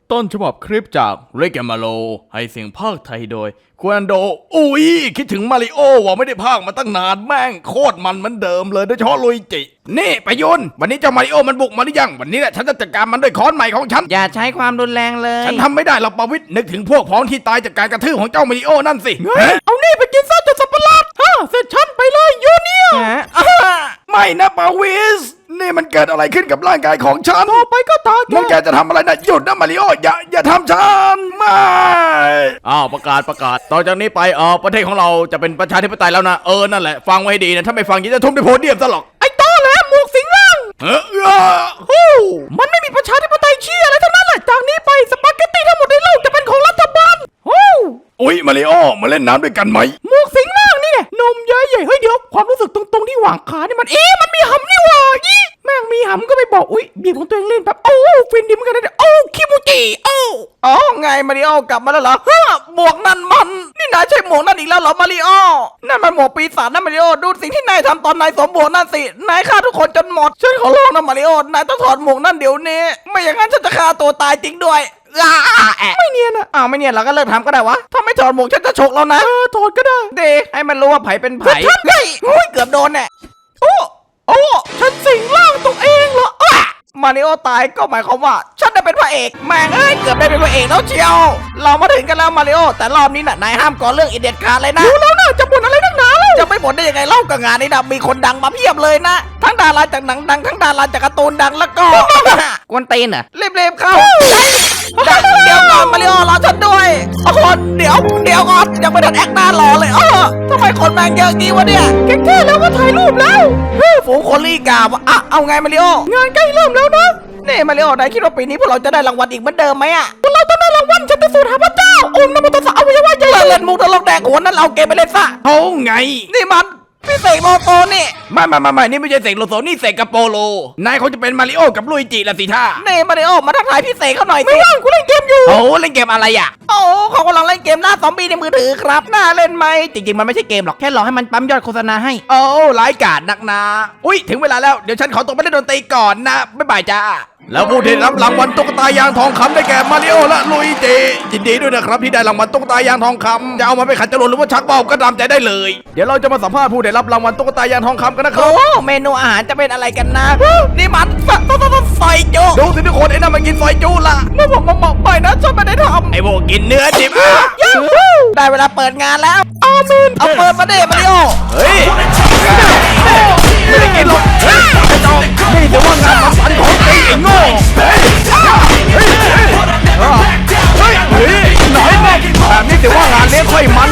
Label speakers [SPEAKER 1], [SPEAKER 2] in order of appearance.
[SPEAKER 1] ต้นฉบับคลิปจากเรกแกมาโลให้เสียงภาคไทยโดยควนโดอุ้ยคิดถึงมาริโอว่าไม่ได้ภาคมาตั้งนานแม่งโคตรมันเหมือนเดิมเลยโดยเฉพาะลุยจินี่ประยุนวันนี้เจ้ามาริโอมันบุกมาหรือยังวันนี้แหละฉันจะจัดการมันด้วยค้อนใหม่ของฉัน
[SPEAKER 2] อย่าใช้ความรุนแรงเลย
[SPEAKER 1] ฉันทำไม่ได้หรอกปวิทย์นึกถึงพวกพ้องที่ตายจากการกระทืบของเจ้ามาริโอนั่นสิ
[SPEAKER 2] เอานี่ไปกินซะจนสับปะรดเสร็จฉันไปเลยยูเนีย
[SPEAKER 1] ไม่นะปวิสนี่มันเกิดอะไรขึ้นกับร่างกายของฉัน
[SPEAKER 2] ต่อไปก็ตาแก
[SPEAKER 1] นั่นแกจะทำอะไรนะหยุดนะมาริโออย่าทำฉันไม่ประกาศต่อจากนี้ไปประเทศของเราจะเป็นประชาธิปไตยแล้วนะนั่นแหละฟังไว้ดีนะถ้าไม่ฟังจะทุ่มด้วยโพเดียมซะหรอก
[SPEAKER 2] ไอ้ต้อแหละหมวกสิงล่างมันไม่มีประชาธิปไตยเชี่ยอะไรทั้งนั้นแหละจากนี้ไปสปาเกตตี้ทั้งหมดในโลกจะเป็นของรัฐบาล
[SPEAKER 1] อุ๊ยมาริโอมาเล่นน้ำด้วยกันไหม
[SPEAKER 2] หมวกสิงล่างนี่ไงนมใหญ่ๆเฮ้ยเดี๋ยวความรู้สึกตรงที่หว่างขานี่มันมันมีหำนี่หว่าแม่งมีหำก็ไปบอกอุ๊ยบีบของตัวเองเล่นแบบฟินดีเหมือนกันนะคิมูจิไงมาริโอกลับมาแล้วเหรอหมวกนั่นมันนี่นายใช่หมวกนั่นอีกแล้วเหรอมาริโอนั่นมันหมวกปีศาจนะมาริโอดูสิ่งที่นายทำตอนนายสวมหมวกนั่นสินายฆ่าทุกคนจนหมดฉันขอร้องนะมาริโอนายต้องถอดหมวกนั่นเดี๋ยวนี้ไม่อย่างนั้นฉันจะฆ่าตัวตายจริงด้วยไม่เนียนอะไม่เนียนเราก็เลิกทำก็ได้วะถ้าไม่ถอดหมวกฉันจะฉกแล้วนะถอดก็ได้เดให้มันรู้ว่าไผ่เป็นไผ่เฮ้ยเกือบโดนแน่ฉันสิงร่างตัวเองเหรอมาริโอตายก็หมายความว่าฉันได้เป็นพระเอกแม่งเกือบได้เป็นพระเอกแล้วเชียวเรามาถึงกันแล้วมาริโอแต่รอบนี้น่ะนายห้ามก่อเรื่องเด็ดขาดเลยนะรู้แล้วนะจะบ่นอะไรนักหนาแล้วจะไม่บ่นได้ยังไงเล่ากับงานนี้นะมีคนดังมาเพียบเลยนะทั้งดาราจากหนังดังทั้งดาราจากการ์ตูนดังแล้วก็กวนตีนเหรอเรียบๆเข้าเดี๋ยวก่อนมาริโอรอฉันด้วยเดี๋ยวก่อนยังไม่ทันแอคหน้ารอเลยทำไมคนแม่งเยอะงี้วะเนี่ยแค่แล้วก็ถ่ายรูปแล้วฝูงคนรีกาบเอาไงมาริโองานใกล้เริ่มแล้วนะนี่มาริโอนายคิดว่าปีนี้พวกเราจะได้รางวัลอีกเหมือนเดิมไหมพวกเราต้องได้รางวัลฉันเป็นสูตรหาพระเจ้าองค์นโมตัสสะอวัยวะใหญ่เล่นมุกตลกแดกหัวนั้นเราเกมไปเล่นซะ
[SPEAKER 1] ไง
[SPEAKER 2] นี่มันพี่เสกโลโซนี่
[SPEAKER 1] ไม่นี่ไม่ใช่เสกโลโซนี่เสกกับโปโลนายเขาจะเป็นมาริโอกับลุยจิละสิท่า
[SPEAKER 2] นี่มาริโอมาทักทายพี่เสกเขาหน่อยสิไม่ว่างกูเล่นเกมอยู่
[SPEAKER 1] เล่นเกมอะไรอ่ะ
[SPEAKER 2] เขากำลังเล่นเกมล่าซอมบี้ในมือถือครับน่าเล่นไหมจริงๆมันไม่ใช่เกมหรอกแค่รอให้มันปั๊มยอดโฆษณาให้
[SPEAKER 1] ร้ายกาจนักนะอุ๊ยถึงเวลาแล้วเดี๋ยวฉันขอตัวไปเล่นดนตรีก่อนนะบ๊ายบายจ้าแล้วผู้ที่รับรางวัลตุ๊กตายางทองคำได้แก่มาริโอและลุยจิยินดีด้วยนะครับที่ได้รางวัลตุ๊กตายางทองคำจะเอามาไปขัดจรวดหรือว่าชักเป้าก็ตามใจได้เลยเดี๋ยวเราจะมาสัมภาษณ์ผู้ได้รับรางวัลตุ๊กตายางทองคำกันนะครับ
[SPEAKER 2] เมนูอาหารจะเป็นอะไรกันนะนี่มันซอยจุ
[SPEAKER 1] ดูสิทุกคนไอ้นั่นมันกินซอยจุละ
[SPEAKER 2] ไม่บอกไปนะฉันไม่ได้ทำ
[SPEAKER 1] ไอ้พวกกินเนื้อดิบ
[SPEAKER 2] ได้เวลาเปิดงานแล้วอาเมนเอาเปิดมาดิมาริโอ
[SPEAKER 1] เฮ้ยไม่ได้กินหรอกนี่ถือว่างานฝันของไอ้โง่หน่อยแบบนี้ถือว่างานเลี้ยงค่อยมัน